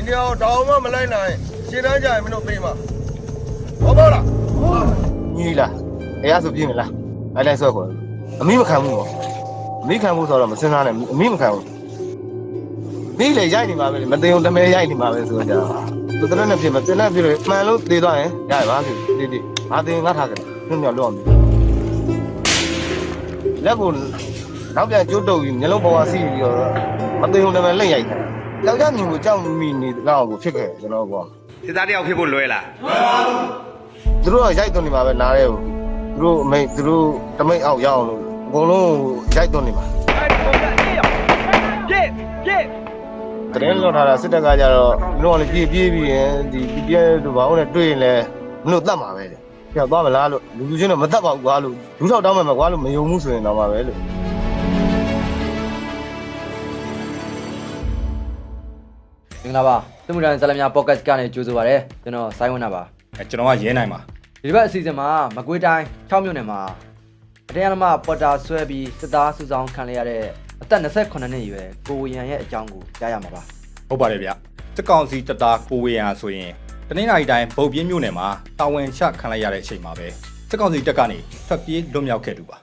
နေရာတောင်မှမလိုက်နိုင်ရှင်းတန်းကြရင်မင်းတို့ပြေးမှာဟုတ်ပါလားညီလားအရာဆိုပြင်းမလားအဲ့လိုက်ဆွဲခေါ်အမိမခံဘူးပေါ့အမိခံဘူးဆိုတော့မစင်းစားနဲ့အမိမခံဘူးမိလေရိုက်နေမှာပဲမသိအောင်တမဲရိုက်နေမှာပဲဆိုကြသူတရက်နဲ့ဖြစ်မတင်နဲ့ဖြစ်လို့မှန်လို့သေသွားရင်ရပါပြီတိဘာတင်ငါထားကြတယ်ညွန့်ညွန့်လွတ်အောင်လက်ကိုနောက်ပြန်ကျိုးတုပ်ပြီးမျက်လုံးပေါ်ဝါစီးပြီးတော့မသိအောင်တမဲလက်ရိုက်တယ်ယောက်ျားမြင်ကိုကြောက်မိနေတော့ကိုဖြစ်ခဲ့ကျွန်တော်ကောစစ်သားတယောက်ဖြစ်ဖို့လွယ်လားသူတို့ကရိုက်သွင်းနေမှာပဲနားရဲကိုသူတို့အမိတ်သူတို့တမိတ်အောက်ရအောင်လို့အကုန်လုံးရိုက်သွင်းနေမှာတရင်လောက်ထားတာစစ်တပ်ကကြတော့မင်းတို့ကလည်းပြေးပြီးရင်ဒီပြည့်တို့ဘာလို့လဲတွေ့ရင်လည်းမင်းတို့တတ်မှာပဲလေပြောက်သွားမလားလို့လူချင်းတော့မတတ်ပါဘူးကွာလို့လူထောက်တောင်းမယ်ကွာလို့မယုံဘူးဆိုရင်တော့မှာပဲလို့မင်္ဂလာပါသမှုတန်ဇလမြပေါ့ကတ်ကနေကြိုဆိုပါရစေကျွန်တော်စိုင်းဝင်းနာပါကျွန်တော်ကရဲနိုင်ပါဒီဘက်အစီအစဉ်မှာမကွေးတိုင်း6မြို့နယ်မှာအတရားဓမ္မပေါ်တာဆွဲပြီးစစ်သားစုဆောင်ခံရတဲ့အသက်28နှစ်အရွယ်ကိုဝေယံရဲ့အကြောင်းကိုကြားရမှာပါဟုတ်ပါတယ်ဗျစစ်ကောင်စီတပ်သားကိုဝေယံဆိုရင်တနင်္လာရီတိုင်းဗုတ်ပြင်းမြို့နယ်မှာတာဝန်ချခံလိုက်ရတဲ့အချိန်မှာပဲစစ်ကောင်စီတပ်ကနေထွက်ပြေးလွတ်မြောက်ခဲ့သူပါ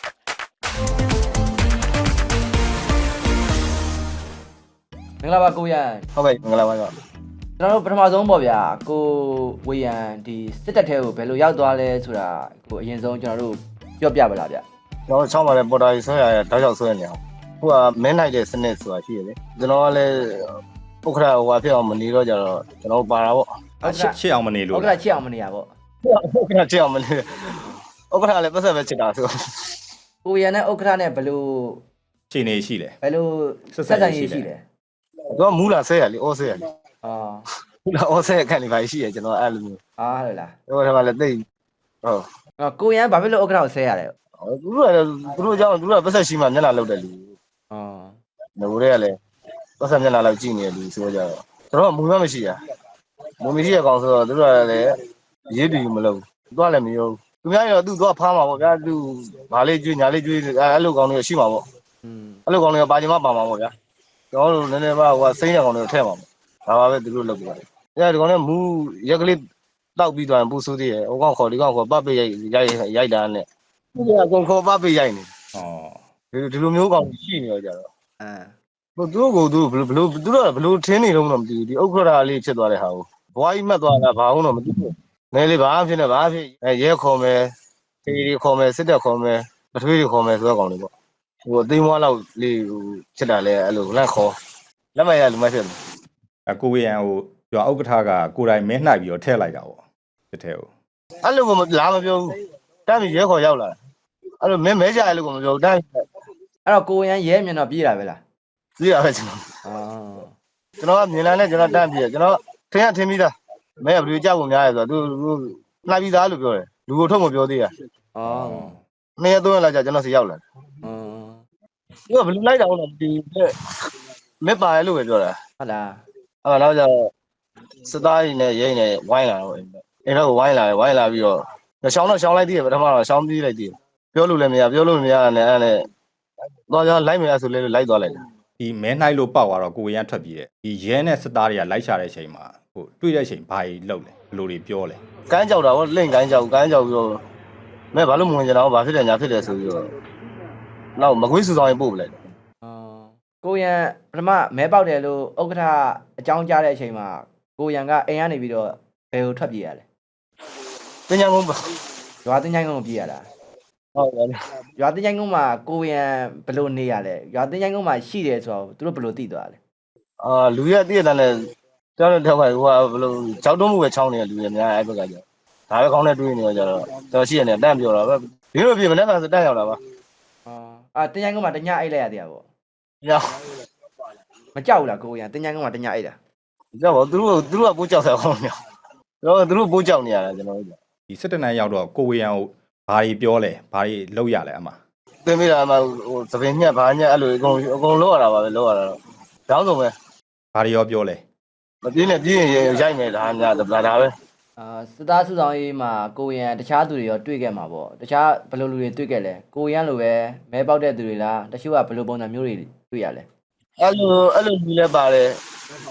မင်္ဂလာပါကိုဝေယံဟုတ်ကဲ့မင်္ဂလာပါကွာကျွန်တော်တို့ပထမဆုံးပေါ့ဗျာကိုဝေယံဒီစစ်တပ်ထဲကိုဘယ်လိုရောက်သွားလဲဆိုတာကိုအရင်ဆုံးကျွန်တော်တို့ပြောပြပါလားဗျကျွန်တော်ချောင်းပါလေပေါ်တာကြီးဆွဲရတောက်ချောက်ဆွဲနေအောင်ခုကမင်းနိုင်တဲ့စနစ်ဆိုတာရှိရလေကျွန်တော်ကလည်းပုခရဟိုဟာဖြစ်အောင်မနေတော့ကြတော့ကျွန်တော်ပါတာပေါ့ချစ်အောင်မနေလို့ဟုတ်ကဲ့ချစ်အောင်မနေရပေါ့ပုခရချစ်အောင်မနေပုခရလည်းပတ်ဆက်ပဲချစ်တာဆိုကိုဝေယံနဲ့ဥက္ကဋ္ဌနဲ့ဘယ်လိုခြေနေရှိတယ်ဘယ်လိုဆက်ဆံရေးရှိလဲသူကမူလာဆဲရလေအော်ဆဲရလေအော်မူလာအော်ဆဲခန့်နေပါရှိရကျွန်တော်အဲ့လိုမျိုးအားဟုတ်လားဟိုထဲမှာလည်းတိတ်ဟုတ်ကိုရန်ဘာဖြစ်လို့ဥက္ကဋ္ဌကိုဆဲရလဲသူတို့ကြောင့်သူတို့ကပတ်ဆက်ရှိမှမျက်နှာလောက်တယ်လူအော်ငိုတွေကလည်းပတ်ဆက်မျက်နှာလောက်ကြည့်နေတယ်လူဆိုကြတော့ကျွန်တော်ကမူမမရှိရမူမရှိရကောင်ဆိုတော့သူတို့ကလည်းရေးတူမလုပ်သူကလည်းမယုံသူများရောသူကဖားမှာပေါ့ဗျာသူဘာလေးကျွေးညာလေးကျွေးအဲ့လိုကောင်တွေရှိမှာပေါ့อืมအဲ့လိုကောင်တွေကပါချင်မှပါမှာပေါ့ဗျာကျွန်တော်တို့နည်းနည်းပါဟိုကစိမ့်တဲ့ကောင်တွေထည့်မှာပေါ့ဒါပါပဲသူတို့လုပ်ကြတယ်အဲ့ဒီကောင်ကမူရက်ကလေးတောက်ပြီးသွားရင်ပူဆိုးသေးတယ်ဟိုကောင်ခေါ်ဒီကောင်ခေါ်ပတ်ပိတ်ရိုက်တာနဲ့သူကအကုန်ခေါ်ပတ်ပိတ်ရိုက်နေဩဒီလိုမျိုးကောင်ရှိနေတော့ကြတော့အဲဟိုသူတို့ကိုသူဘယ်လိုထင်းနေတော့မသိဘူးဒီဥက္ခရာလေးဖြစ်သွားတဲ့ဟာကိုဘွားကြီးမှတ်သွားတာဘာအောင်တော့မသိဘူးငယ်လေးဘာဖြစ်နေဘာဖြစ်ရဲခေါ်မယ်တေးရီခေါ်မယ်စစ်တပ်ခေါ်မယ်ပထွေးတွေခေါ်မယ်ဆိုတော့ကောင်တွေပေါ့ဟိုအသိမွားလောက်လေးဟိုဖြစ်တာလဲအဲ့လိုလန့်ခေါ်လက်မရလူမဖြစ်ဘူးကိုဝေယံဟိုရွာဥက္ကဋ္ဌကကိုယ်တိုင်မင်းနှိုက်ပြီးတော့ထည့်လိုက်တာပေါ့တစ်ထဲကိုအဲ့လိုကလာမပြောဘူးတမ်းပြီးရဲခေါ်ရောက်လာအဲ့လိုမဲကြရလို့ကမပြောဘူးတမ်းအဲ့တော့ကိုရန်ရဲမြင်တော့ပြေးတာပဲလားကြည့်ရပဲကျွန်တော်အော်ကျွန်တော်ကမြင်လာနဲ့ကျွန်တော်တမ်းပြီးကျွန်တော်ထင်းပြီးသားမဲဘယ်လိုကြောက်ဖို့များလဲဆိုတော့သူနှိုက်ပြီးသားလို့ပြောတယ်လူကိုထုတ်မပြောသေးရအော်နှစ်ရက်သုံးရက်လောက်ကြာကျွန်တော်စီရောက်လာအော်သူကဘယ်လိုလိုက်တာလဲဒီမက်ပါရဲလို့ပဲပြောတာဟုတ်လားအဲ့တော့ကျတော့စသားရည်နဲ့ရိတ်နဲ့ဝိုင်းလာတော့အိမ်တော့ဝိုင်းလာပြီးတော့ရှောင်းလိုက်သေးတယ်ပထမတော့ရှောင်းပြီးလိုက်သေးတယ်ပြောလို့လည်းမရနဲ့အဲ့နဲ့တော့ကျွန်တော်လိုက်မယ်ဆိုလဲလိုက်သွားလိုက်တယ်ဒီမဲနှိုက်လို့ပောက်သွားတော့ကိုဝေယံထွက်ပြေးတယ်ဒီရဲနဲ့စစ်သားတွေကလိုက်ရှာတဲ့အချိန်မှာဟိုတွေ့တဲ့အချိန်ဘာကြီးလုပ်လဲဘယ်လိုတွေပြောလဲကန်းကြောက်တာဟောလင့်ကန်းကြောက်ပြီးတော့မဲဘာလို့မဝင်ကြတော့ဘာဖြစ်တယ်ညာဖြစ်တယ်ဆိုပြီးတော့နောက်မကွေးစုဆောင်ရင်ပို့ပလိုက်တယ်အော်ကိုရန်ပထမမဲပေါက်တယ်လို့ဥက္ကဋ္ဌအကြောင်းကြားတဲ့အချိန်မှာကိုရန်ကအိမ်ကနေပြီးတော့ဘယ်ကိုထွက်ပြေးရလဲတင်ညာကုန်းပါရွာတင်ချိုင်းကုန်းကိုပြေးရတာဟုတ်တယ်ရွာတင်ချိုင်းကုန်းမှာကိုရန်ဘယ်လိုနေရလဲရွာတင်ချိုင်းကုန်းမှာရှိတယ်ဆိုတော့သူတို့ဘယ်လိုသိသွားလဲလူရတည့်တဲ့နဲ့တောင်းတဲ့ထောက်ကဟိုကဘယ်လိုကြောက်တုံးမှုပဲချောင်းနေတဲ့လူတွေများအဲ့ဘက်ကကျဒါပဲကောင်းတဲ့တွေးနေကြတော့တော်ရှိရတယ်တန့်ပြောတာပဲဒီလိုပြင်မနဲ့ဆိုတန့်ရောက်လာပါအော်တင်ချိုင်းကုန်းမှာတညအိတ်လိုက်ရသေးတာပေါ့ညောင်မကြောက်ဘူးလားကိုရန်တင်ချိုင်းကုန်းမှာတညအိတ်တာကြောက်ပါသူတို့ကပိုးကြောက်ဆက်အောင်ညောင်သူတို့ပိုးကြောက်နေရတာကျွန်တော်တို့ဒီစစ်တနန်းရောက်တော့ကိုဝေယံဟိုဘာတွေပြောလဲဘာတွေလုပ်ရလဲအမသင်မိတာမှဟိုသပင်ညက်ဘာညက်အဲ့လိုအကုန်လောက်ရတာပါပဲလောက်ရတာတော့တောင်းဆုံးပဲဘာတွေရောပြောလဲမပြင်းနဲ့ပြင်းရင်ရိုက်မယ်ဒါများဒါပဲစစ်သားစုဆောင်ရေးမှာကိုရန်တခြားသူတွေရောတွေ့ခဲ့မှာပေါ့တခြားဘယ်လိုလူတွေတွေ့ခဲ့လဲကိုရန်လိုပဲမဲပေါက်တဲ့သူတွေလားတချို့ကဘယ်လိုပုံစံမျိုးတွေတွေ့ရလဲအဲ့လိုလူလည်းပါတယ်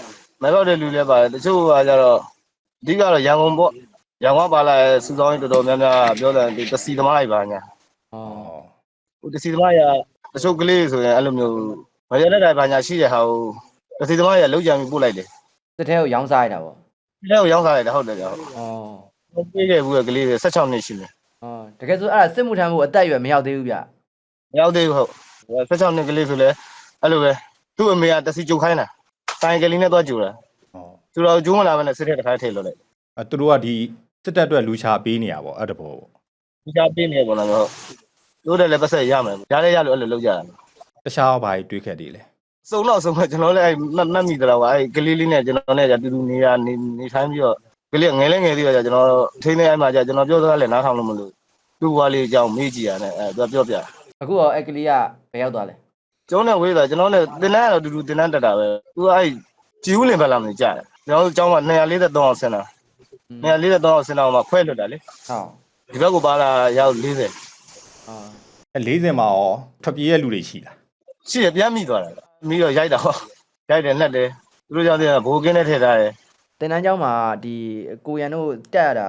မပြောတဲ့လူလည်းပါတယ်တချို့ကကြတော့အဓိကတော့ရန်ကုန်ပေါ့ရန်ကုန်ပါလာစူဆောင်းရေးတော်တော်များများပြောတယ်ဒီတစီသမားတွေပါညာอ๋อဟိုတစီသမားရတချို့ကလေးဆိုရင်အဲ့လိုမျိုးမရတဲ့တိုင်ပါညာရှိတဲ့ဟာကိုတစီသမားရလုံးကြံပြီးပို့လိုက်တယ်စစ်ထဲကိုရောင်းစားရတာပေါ့ဒီထဲကိုရောက်စားလိုက်တယ်ဟုတ်တယ်ကြောက်อ๋อပြေးခဲ့ဘူးကလေးတွေ16နှစ်ရှိတယ်อ๋อတကယ်ဆိုအဲ့ဒါစစ်မှုထမ်းဖို့အသက်အရွယ်မရောက်သေးဘူးဗျမရောက်သေးဘူးဟုတ်16နှစ်ကလေးဆိုလဲအဲ့လိုပဲသူ့အမေကတစီကြုတ်ခိုင်းတာတိုင်ကလေးနဲ့သွားကြူတာဟောသူတော်ကျိုးမလာဘဲနဲ့စစ်တဲ့တစ်ခါထိလို့လိုက်သူတို့ကဒီစစ်တပ်အတွက်လူချပေးနေရပေါ့အဲ့တဘောပေါ့ဒီချပေးနေပေါ်လာတော့တို့တယ်လည်းပတ်ဆက်ရမယ်ရားလဲရလို့အဲ့လိုလုပ်ကြတာတခြားဘာကြီးတွေးခဲ့သေးလဲစုံတော့စုံတော့ကျွန်တော်လည်းအဲ့မှတ်မိတယ်တော့အဲ့ကလေးလေးနဲ့ကျွန်တော်နဲ့တူတူနေထိုင်ပြီးတော့ကလေးငယ်လေးငယ်သေးတော့ကျွန်တော်ထိန်းနေအဲ့မှာကြာကျွန်တော်ပြောသားလည်းနားထောင်လို့မလို့သူ့ဘွားလေးအကြောင်းမေးကြည့်ရတယ်အဲ့သူပြောပြအခုရောအဲ့ကလေးကဘယ်ရောက်သွားလဲကျွန်တော်နဲ့ဝေးတာကျွန်တော်နဲ့တင်တန်းကတော့တူတူတင်တန်းတက်တာပဲသူကအဲ့ကြည်ဦးလင်ဘက်လာမလို့ကြားတယ်ကျွန်တော်တို့အကြောင်းက243အောင်ဆင်းတာ243အောင်ဆင်းတာမှာခွဲလွတ်တာလေဟုတ်ဒီဘက်ကိုပါလာရောက်40 อ๋อအဲ40မှာရောထွက်ပြေးရလူတွေရှိလားရှိရပြန်မိသွားတာမိတော့ရိုက်တာဟောရိုက်တယ်နှက်တယ်သူတို့ကြောင့်ဘိုးကင်းနဲ့ထည့်ထားတယ်တင်တန်းကျောင်းမှာဒီကိုရန်တို့တက်ရတာ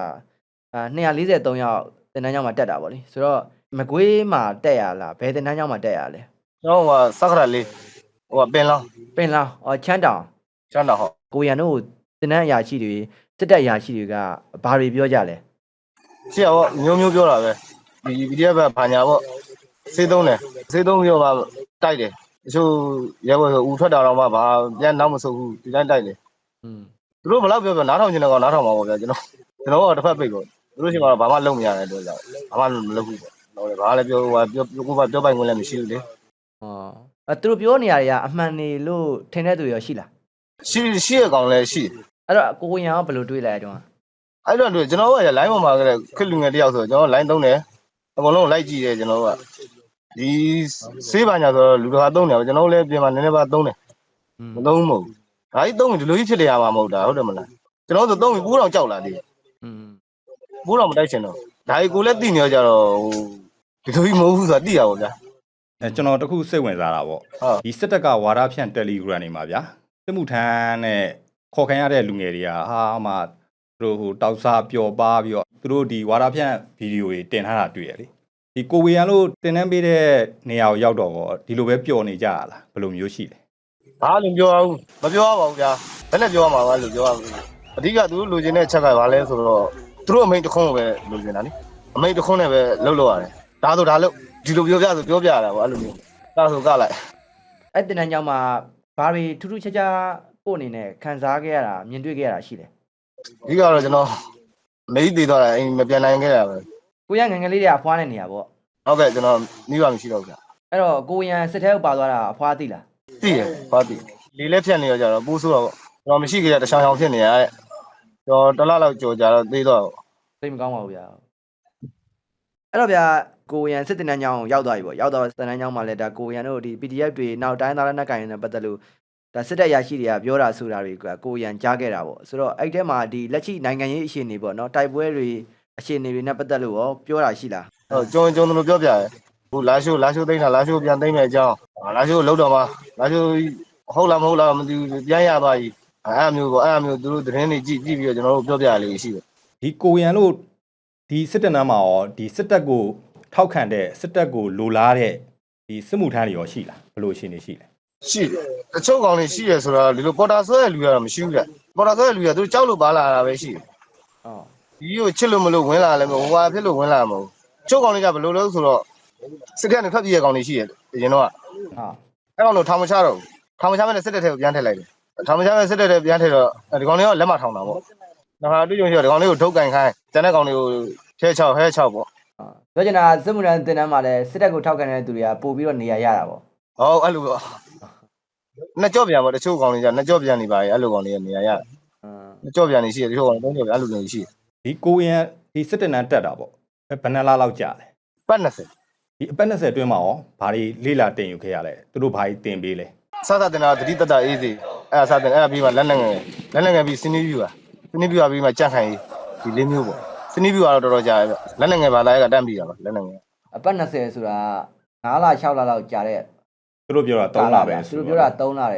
243ယောက်တင်တန်းကျောင်းမှာတက်တာဗောလေဆိုတော့မကွေးမှာတက်ရလားဘယ်တင်တန်းကျောင်းမှာတက်ရလဲကျွန်တော်ကစက္ကရာလေးဟိုကပင်လောင်းပင်လောင်းအော်ချမ်းတောင်ချမ်းတော်ဟောကိုရန်တို့တင်တန်းအရာရှိတွေစစ်တပ်အရာရှိတွေကဘာတွေပြောကြလဲရှိရဟောမျိုးပြောတာပဲဒီ PDF ကဘာညာပေါ့စေးသုံးတယ်စေးသုံးပြီးတော့မှတိုက်တယ်တချို့ရဲဘော်ဆိုဦးထွက်တာတော့မှဘာပြန်နောက်မဆုတ်ဘူးဒီတိုင်းတိုက်တယ်อืมသူတို့ဘယ်လောက်ပြောနားထောင်ကျင်တဲ့ကောင်နားထောင်ပါပေါ့ဗျာကျွန်တော်ကတစ်ဖက်ပိတ်ပေါ့သူတို့ရှိမှတော့ဘာမှလုပ်မရတဲ့အတွက်ကြောင့်ဘာမှမလုပ်ဘူးပေါ့တော့ဘာလဲပြောဟိုပြောပိုင်ခွင့်လည်းမရှိဘူးလေอ๋อသူတို့ပြောနေရတွေကအမှန်နေလို့ထင်တဲ့သူရောရှိလားရှိရကောင်လည်းရှိအဲ့တော့ကိုရန်ကဘယ်လိုတွေးလိုက်တုန်းအဲ့တော့ကျွန်တော်က line ပေါ်မှာကလည်းခက်လူငယ်တယောက်ဆိုကျွန်တော် line သုံးတယ်အကုန်လုံးလိုက်ကြည့်တယ်ကျွန်တော်ကဒီဆေးပါညာဆိုတော့လူတော်သုံးတယ်ကျွန်တော်လည်းပြင်မှာနည်းနည်းပါသုံးတယ်မသုံးဘူးမဟုတ်ဘူးဒါကြီးသုံးရင်ဒီလိုကြီးဖြစ်နေရမှာမဟုတ်တာဟုတ်တယ်မလားကျွန်တော်ဆိုသုံးပြီးပိုးတော်ကြောက်လာသေးတယ်อืมပိုးတော်မတိုက်ချင်တော့ဒါကြီးကိုလည်းသိနေကြတော့ဟိုဒီလိုကြီးမဟုတ်ဘူးဆိုတာသိရပါဗျာကျွန်တော်တခုစိတ်ဝင်စားတာပေါ့ဟုတ်ဒီစစ်တပ်ကဝါဒဖြန့် Telegram နေမှာဗျာစစ်မှုထမ်းနဲ့ခေါ်ခံရတဲ့လူငယ်တွေကဟာမှသူတို့ဟိုတောက်စားပျော်ပါပြီးတော့သူတို့ဒီဝါဒဖြန့်ဗီဒီယိုတွေတင်ထားတာတွေ့ရလေဒီကိုဝေရန်လို့တင်တန်းပေးတဲ့နေရာကိုရောက်တော့ဒီလိုပဲပျော်နေကြရလားဘယ်လိုမျိုးရှိလဲဘာလို့ပြောအောင်မပြောပါဘူးဗျာဘယ်နဲ့ပြောမှာပါလို့ပြောရဘူးအဓိကသူတို့လိုချင်တဲ့ချက်ကဘာလဲဆိုတော့သူတို့အမိန်တစ်ခွန်းကိုပဲလိုချင်တာလေအမိန်တစ်ခွန်းနဲ့ပဲလှုပ်လို့ရတယ်ဒါဆိုဒါလို့ဒီလိုပြောပြဆိုပြောပြရတာပေါ့အဲ့လိုမျိုးဒါဆိုကလိုက်အဲ့တင်တန်းကျောင်းမှာဘာတွေထူးထူးခြားခြားကိုအနေနဲ့ခံစားခဲ့ရတာမြင်တွေ့ခဲ့ရတာရှိတယ်အဓိကတော့ကျွန်တော်မေးသေးတော့အိမ်မပြန်နိုင်ခဲ့ရပါဘူးကိုရန်ငယ်ငယ်လေးတွေကအဖွားနေနေရပေါ့ဟုတ်ကဲ့ကျွန်တော်မိဘမရှိတော့ဘူးဗျာအဲ့တော့ကိုရန်စစ်ထဲကိုပါသွားတာအဖွားသိလားသိရဘာသိလေလက်ဖြတ်နေရကြတော့ပိုးဆိုးတော့ကျွန်တော်မရှိကြတဲ့တချောင်ဖြစ်နေရတဲ့ကျွန်တော်တစ်လလောက်ကြော်ကြတော့သိတော့သိမကောင်းပါဘူးဗျာအဲ့တော့ဗျာကိုရန်စစ်တင်တန်းကျောင်းကိုရောက်သွားပြီပေါ့ရောက်တော့စစ်တင်တန်းကျောင်းမှာလည်းဒါကိုရန်တို့ဒီ PDF တွေနောက်တိုင်းသားလက်နက်ကိုင်တွေနဲ့ပတ်သက်လို့ဒါစစ်တပ်ရရှိတွေကပြောတာဆိုတာတွေကကိုရန်ကြားခဲ့တာပေါ့ဆိုတော့အဲ့ထဲမှာဒီလက်ရှိနိုင်ငံရေးအခြေအနေပေါ့နော်တိုက်ပွဲတွေအခြေအနေတွေနဲ့ပတ်သက်လို့ရောပြောတာရှိလားဟုတ်ကျုံတို့ပြောပြရဲဟိုလာရှိုးသိမ်းတာလာရှိုးပြန်သိမ်းမယ်အကြောင်းလာရှိုးလောက်တော့မှလာရှိုးဟုတ်လားမဟုတ်လားမသိဘူးပြန်ရသွားပြီအဲ့မျိုးပေါ့အဲ့မျိုးသူတို့သတင်းတွေကြည့်ပြီးတော့ကျွန်တော်တို့ပြောပြရလို့ရှိတယ်ဒီကိုဝေရန်လို့ဒီစစ်တပ်နားမှာရောဒီစစ်တပ်ကိုထောက်ခံတဲ့စစ်တပ်ကိုလိုလားတဲ့ဒီစစ်မှုထမ်းတွေရောရှိလားဘယ်လိုအခြေအနေရှိလဲရှိတယ်တချို့ကောင်တွေရှိရဆိုတော့ဒီလိုပေါ်တာဆွဲတဲ့လူကတော့မရှိဘူးတဲ့ပေါ်တာဆွဲတဲ့လူကသူကြောက်လို့ပါလာတာပဲရှိတယ်အော်ဒီကိုချစ်လို့မလို့ဝင်လာလည်းမဟုတ်ဟိုဟာဖြစ်လို့ဝင်လာမှာမဟုတ်ချို့ကောင်တွေကဘယ်လိုလဲဆိုတော့စစ်ကနဲ့ထွက်ပြေးရကောင်တွေရှိတယ်အရင်တော့ဟာအဲ့ကောင်တို့ထောင်မချတော့ဘူးထောင်မချမဲ့စစ်တပ်ထဲကိုပြန်ထည့်လိုက်တယ်ထောင်မချမဲ့စစ်တပ်ထဲပြန်ထည့်တော့ဒီကောင်တွေကလက်မထောင်တာပေါ့ဒါဟာတွေ့ကြုံရှိတော့ဒီကောင်လေးကိုထုတ်ကန်ခိုင်းကျန်တဲ့ကောင်တွေကိုထဲ6ဟဲ6ပေါ့ပြောချင်တာစစ်မှုထမ်းတင်တန်းမှာလည်းစစ်တပ်ကိုထောက်ခံတဲ့သူတွေကပို့ပြီးတော့နေရာရတာပေါ့ဟုတ်အဲ့လိုပေါ့နှစ်ကြော့ပြန်ပေါ့တချို့ကောင်တွေကျနှစ်ကြော့ပြန်နေပါရဲ့အဲ့လိုကောင်တွေနေရာရနှစ်ကြော့ပြန်နေရှိတယ်တချို့ကောင်သုံးကြော့ပြန်အဲ့လိုနေရှိတယ်ဒီကိုဝေရန်ဒီစစ်တပ်နားတက်တာပေါ့ဘယ်နှစ်လားလောက်ကြာလဲပတ်20 ဒီအပတ်20အတွင်းမှာရောဘာတွေလေးလာတင်ယူခဲ့ရလဲသူတို့ဘာတွေတင်ပေးလဲစသတင်တာတတိတတအေးစီအဲ့ဒါစတင်အဲ့ဒါပြီးမှလက်နဲ့ငယ်ပြီးစင်းနေပြူပါပြီးမှကြန့်ခိုင်ဒီလေးမျိုးပေါ့စင်းနေပြူကတော့တော်တော်ကြာရဲ့လက်နဲ့ငယ်ပါလာရဲ့ကတန့်ပြီးတာပါလက်နဲ့ငယ်အပတ်20ဆိုတာ9လ6လလောက်ကြာတဲ့သူတို့ပြောတာ3လပဲသူတို့ပြောတာ3လတယ်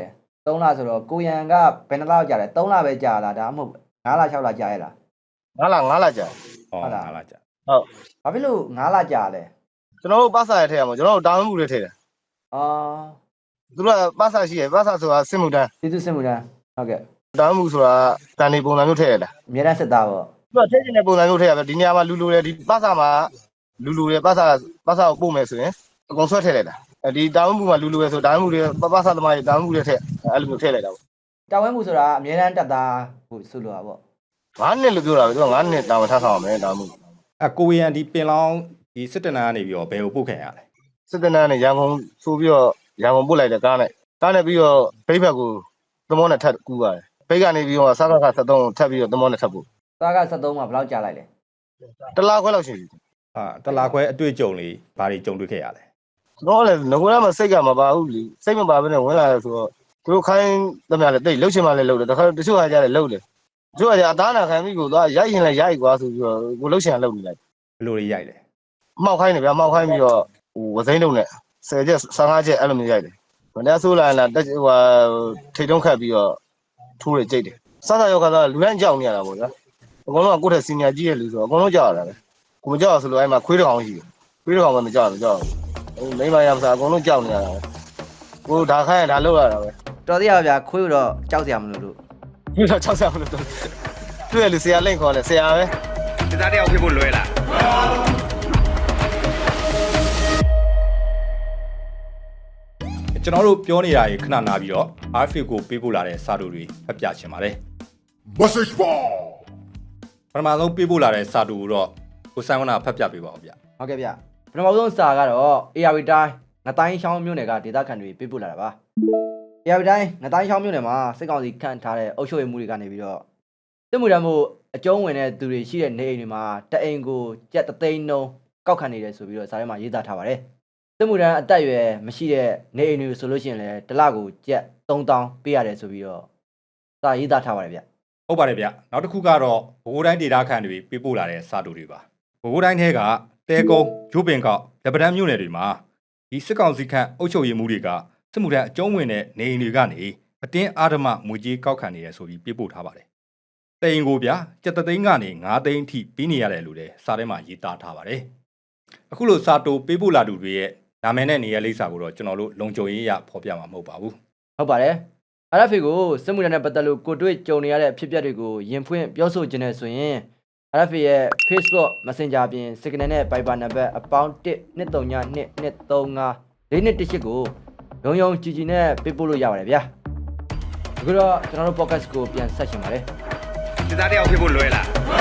3လဆိုတော့ကိုရန်ကဘယ်နှလောက်ကြာလဲ3လပဲကြာလားဒါမှမဟုတ်9လ6လကြာရဲ့လား 9လကြာဟုတ်လားကြာဟုတ်ဘာဖြစ်လို့9လကြာလဲကျွန်တော်တို့ပတ်စာရထည့်ရမှာကျွန်တော်တို့တာဝန်မှုတွေထည့်တယ်အော်သူတို့ကပတ်စာရှိရပတ်စာဆိုတာစစ်မှုတန်းကျေးဇူးစင်မှုတန်းဟုတ်ကဲ့တာဝန်မှုဆိုတာတန်နေပုံစံမျိုးထည့်ရတာအများတန်းစစ်သားပေါ့သူကထည့်နေတဲ့ပုံစံမျိုးထည့်ရပဲဒီနေရာမှာလူတယ်ဒီပတ်စာမှာလူတယ်ပတ်စာကိုပို့မယ်ဆိုရင်အကုန်ဆွဲထည့်လိုက်တာဒီတာဝန်မှုမှာလူရယ်ဆိုတာဝန်မှုတွေပတ်စာသမားတွေတာဝန်မှုတွေထည့်အဲ့လိုမျိုးထည့်လိုက်တာပေါ့တာဝန်မှုဆိုတာအများတန်းတက်သားကိုဆိုလိုတာပေါ့ 9နှစ်လို့ပြောတာပဲသူက9နှစ်တာဝန်ထမ်းဆောင်ရမယ်တာဝန်မှုကိုရန်ဒီပင်လောင်းဒီစစ်တနန်းကနေပြီးတော့ဘယ်ကိုပုတ်ခံရလဲစစ်တပ်နဲ့ရန်ကုန်ဆိုပြီးတော့ရန်ကုန်ပို့လိုက်တယ်ကားနဲ့ပြီးတော့ဖိတ်ဘက်ကိုသမောနဲ့ထပ်ကူးပါတယ်ဖိတ်ကနေပြီးတော့စကား73ထပ်ပြီးတော့သမောနဲ့ထပ်ပို့သားက73မှာဘယ်လောက်ကြာလိုက်လဲတလားခွဲလောက်ရှိပြီတလာခွဲအတွေ့အကြုံလေးဘာတွေကြုံတွေ့ခဲ့ရလဲကျွန်တော်လည်းငကိုရမှာစိတ်ကမပါဘူးလीစိတ်မပါဘဲနဲ့ဝင်လာတယ်ဆိုတော့သူတို့ခိုင်းသမျှလည်းတိတ်လှုပ်ချင်မှလည်းလှုပ်တယ်တခါတချို့ဟာကြတယ်လှုပ်တယ်တချို့ဟာကြအသားနာခံပြီးကိုသွားရိုက်ရင်လည်းရိုက်ကွာဆိုပြီးတော့ကိုလှုပ်ချင်တာလှုပ်နေလိုက်ဘယ်လိုတွေရိုက်လဲမှောက်ခိုင်းတယ်ဗျာမှောက်ခိုင်းပြီးတော့ဝစိမ့်တုံနဲ့10ချက်15ချက်အဲ့လိုမျိုးရိုက်တယ်မနေ့ဆိုးလာလားတက်ဟိုထိတ်တုံးခတ်ပြီးတော့ထိုးရကြိတ်တယ်စသရောက်ခါသားလူတိုင်းကြောက်နေရတာပေါ့ဗျာအကုန်လုံးကကိုယ့်ထက်စီနီယာကြီးရဲ့လူဆိုတော့အကုန်လုံးကြောက်ရတာပဲကိုမကြောက်ဆိုလို့အဲ့မှာခွေးတစ်ကောင်ရှိတယ်ခွေးတစ်ကောင်ပဲမကြောက်ဘူးကြောက်မိမရမစားအကုန်လုံးကြောက်နေရတာပဲကိုဒါခိုင်းရင်ဒါလောက်ရတာပဲတော်သေးရပါဗျာခွေးတော့ကြောက်စရာမလိုလို့ခွေးတော့ကြောက်စရာမလိုတော့တွေ့ရလူဆရာလိမ့်ခေါ်လဲဆရာပဲစစ်သားတယောက်ဖြစ်ဖို့လွယ်လားကျွန်တော်တို့ပြောနေတာရေခဏနာပြီးတော့ RFA ကိုပေးပို့လာတဲ့စာတူတွေဖတ်ပြချင်ပါတယ် Message ball. ပထမဆုံးပေးပို့လာတဲ့စာတူကိုတော့ကိုဆိုင်ဝနာဖတ်ပြပေးပါဦးဗျဟုတ်ကဲ့ဗျပထမဆုံးစာကတော့ ARV တိုင်းငတိုင်းချောင်းမြို့နယ်ကဒေသခံတွေပေးပို့လာတာပါ ARV တိုင်းငတိုင်းချောင်းမြို့နယ်မှာစစ်ကောင်စီခန့်ထားတဲ့အုပ်ချုပ်ရေးမှုတွေကနေပြီးတော့စစ်မှုထမ်းမှုအကျုံးဝင်တဲ့သူတွေရှိတဲ့နေအိမ်တွေမှာတအိမ်ကိုကျပ်3သိန်းနှုန်းကောက်ခံနေတယ်ဆိုပြီးတော့စာထဲမှာရေးသားထားပါတယ်စစ်မှုထမ်းအသက်အရွယ်မရှိတဲ့နေအိမ်တွေဆိုလို့ရှိရင်လည်းတစ်လကိုကျပ်3000ပေးရတယ်ဆိုပြီးတော့စာရေးသားထားပါတယ်ဗျဟုတ်ပါတယ်ဗျနောက်တစ်ခုကတော့ဘိုးတိုင်းဒေတာခန့်တွေပေးပို့လာတဲ့စာတူတွေပါဘိုးတိုင်းထဲကတဲကုန်းဂျိုးပင်ကောက်လက်ပတန်းမြို့နယ်တွေမှာဒီစစ်ကောင်စီခန့်အုပ်ချုပ်ရေးမှုတွေကစစ်မှုထမ်းအကျုံးဝင်တဲ့နေအိမ်တွေကနေအတင်းအာဓမငွေကြေးကောက်ခံနေရဆိုပြီးပေးပို့ထားပါတယ်တိန်ကိုဗျကျပ်3သိန်းကနေ9သိန်းအထိပေးနေရတယ်လို့လည်းစာထဲမှာရေးသားထားပါတယ်အခုလိုစာတူပေးပို့လာသူတွေရဲ့နာမည်နဲ့နေရာလိပ်စာကိုတော့ကျွန်တော်တို့လုံခြုံရေးရဖော်ပြမှာမဟုတ်ပါဘူးဟုတ်ပါတယ် RFA ကိုစစ်မှုထမ်းနဲ့ပတ်သက်လို့ကိုတွေ့ကြုံနေရတဲ့အဖြစ်အပျက်တွေကိုရင်ဖွင့်ပြောဆိုခြင်းနဲ့ဆိုရင် RFA ရဲ့ Facebook Messenger ပြင် Signal နဲ့ Viber နံပါတ်12322354218ကိုရုံကြည်ကြည်နဲ့ပေးပို့လို့ရပါတယ်ဗျာအခုတော့ကျွန်တော်တို့ podcast ကိုပြန်ဆက်ရှင်ပါတယ်စစ်သားတယောက်ဖြစ်ဖို့လွယ်လား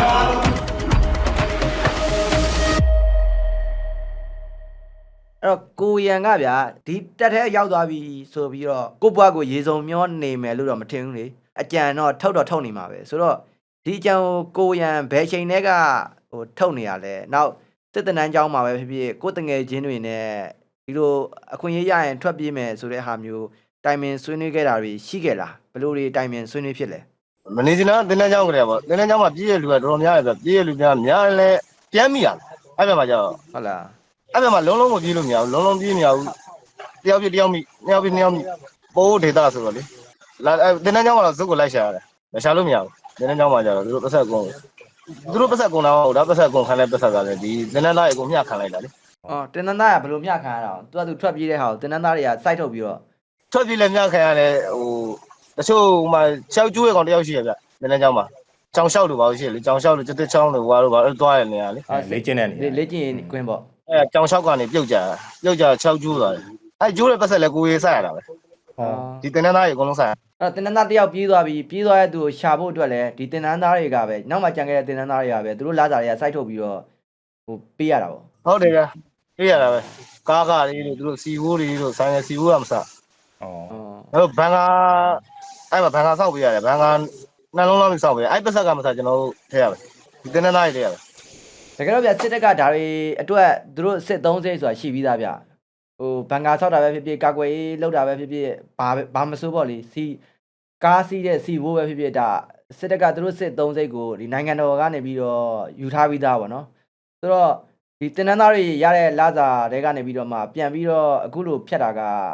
အဲ့တော့ကိုရန်ကဗျာဒီတက်ထဲရောက်သွားပြီဆိုပြီးတော့ကိုဘွားကိုရေစုံမျောနေမယ်လို့တော့မထင်ဘူးလေအကြံတော့ထုတ်နေမှာပဲဆိုတော့ဒီအကြံကိုရန်ဘယ်ချိန်တည်းကဟိုထုတ်နေရလဲနောက်စစ်တနန်းကျောင်းမှာပဲဖြစ်ဖြစ်ကိုတငယ်ချင်းတွေနဲ့ဒီလိုအခွင့်အရေးရရင်ထွက်ပြေးမယ်ဆိုတဲ့ဟာမျိုးတိုင်ပင်ဆွေးနွေးခဲ့တာတွေရှိခဲ့လားဘယ်လိုတွေတိုင်ပင်ဆွေးနွေးဖြစ်လဲမနေစင်တော့တင်းတန်းချောင်းကြတယ်ပေါ့တင်းတန်းချောင်းမှာပြည့်ရလူကတော်တော်များတယ်ဗျပြည့်ရလူများလဲပြန်မိရအဲ့ဘက်မှာကျတော့ဟုတ်လားအဲ့ဘက်မှာလုံးလုံးမပြေးလို့မရဘူးလုံးလုံးပြေးမရဘူးတယောက်ပြတယောက်မိနှစ်ယောက်ပြနှစ်ယောက်မိပိုးဒေတာဆိုတော့လေလာတင်းတန်းချောင်းမှာတော့ဇုတ်ကိုလိုက်ရှာရတယ်မရှာလို့မရဘူးတင်းတန်းချောင်းမှာကျတော့သူတို့ပတ်ဆက်ကုန်တော့ဒါပတ်ဆက်ကုန်ခံတဲ့ပတ်ဆက်ကလည်းဒီတင်းတန်းသားရေကိုမျှခံလိုက်တာလေအော်တင်နန်းသားကဘယ်လိုမျှခံရတာသူကသူထွက်ပြေးတဲ့ဟာကိုတင်နန်းသားတွေကစိုက်ထုတ်ပြီးတော့ထွက်ပြေးလည်းမျှခံရတယ်ဟိုတချို့မှချောက်ကျိုးရကောင်တယောက်ရှိရဗျတင်းတန်းချောင်းမှာကြောင်လျှောက်လို့ပါလို့ရှိရလေကြောင်လျှောက်လို့တက်ချောင်းလို့ဟွာလို့ပါအဲ့သွားရနေရလေလေ့ကျင့်တဲ့နေရာလေ့ကျင့်ကွင်းပေါ့အဲကြောင်လျှောက်ကနေပြုတ်ကြချောက်ကျိုးသွားတယ်အဲကျိုးတဲ့ပတ်ဆက်လည်းကိုရေးဆက်ရတာပဲဟုတ်ဒီတင်းတန်းသားရေအကုန်လုံးဆက်အဲ့တင်နန်းသားတယောက်ပြေးသွားပြီပြေးသွားတဲ့သူကိုရှာဖို့အတွက်လည်းဒီတင်နန်းသားတွေကပဲနောက်မှကြံခဲ့တဲ့တင်နန်းသားတွေကပဲသူတို့လာစားတွေကစိုက်ထုတ်ပြီးတော့ဟိုပေးရတာပေါ့ဟုတ်တယ်ဗျပြေးရတာပဲကားလေးတို့သူတို့စီဝိုးတွေတို့ဆိုင်ရစီဝိုးကမစားอ๋อအဲ့တော့ဘန်ကာအဲ့မှာဘန်ကာဆောက်ပေးရတယ်ဘန်ကာနှလုံးလောက်ဆောက်ပေးရအဲ့ပတ်ဆက်ကမစားကျွန်တော်တို့ထည့်ရမယ်ဒီတင်းသားတွေထည့်ရမယ်တကယ်တော့ဗျစစ်တပ်ကဒါတွေအတွက်သူတို့စစ်သုံးစိတ်ဆိုတာရှိပြီးသားဗျဟိုဘန်ကာဆောက်တာပဲဖြစ်ဖြစ်ကာကွယ်ရေးလောက်တာပဲဖြစ်ဖြစ်ဘာမစိုးပေါ့လေစီကားစီးတဲ့စီဘိုးပဲဖြစ်ဖြစ်ဒါစစ်တပ်ကသူတို့စစ်သုံးစိတ်ကိုဒီနိုင်ငံတော်ကနေပြီးတော့ယူထားပြီးသားပေါ့နော်ဆိုတော့ဒီတင်နန်းသားတွေရတဲ့လာစာတွေကနေပြီးတော့မှပြန်ပြီးတော့အခုလိုဖြတ်တာက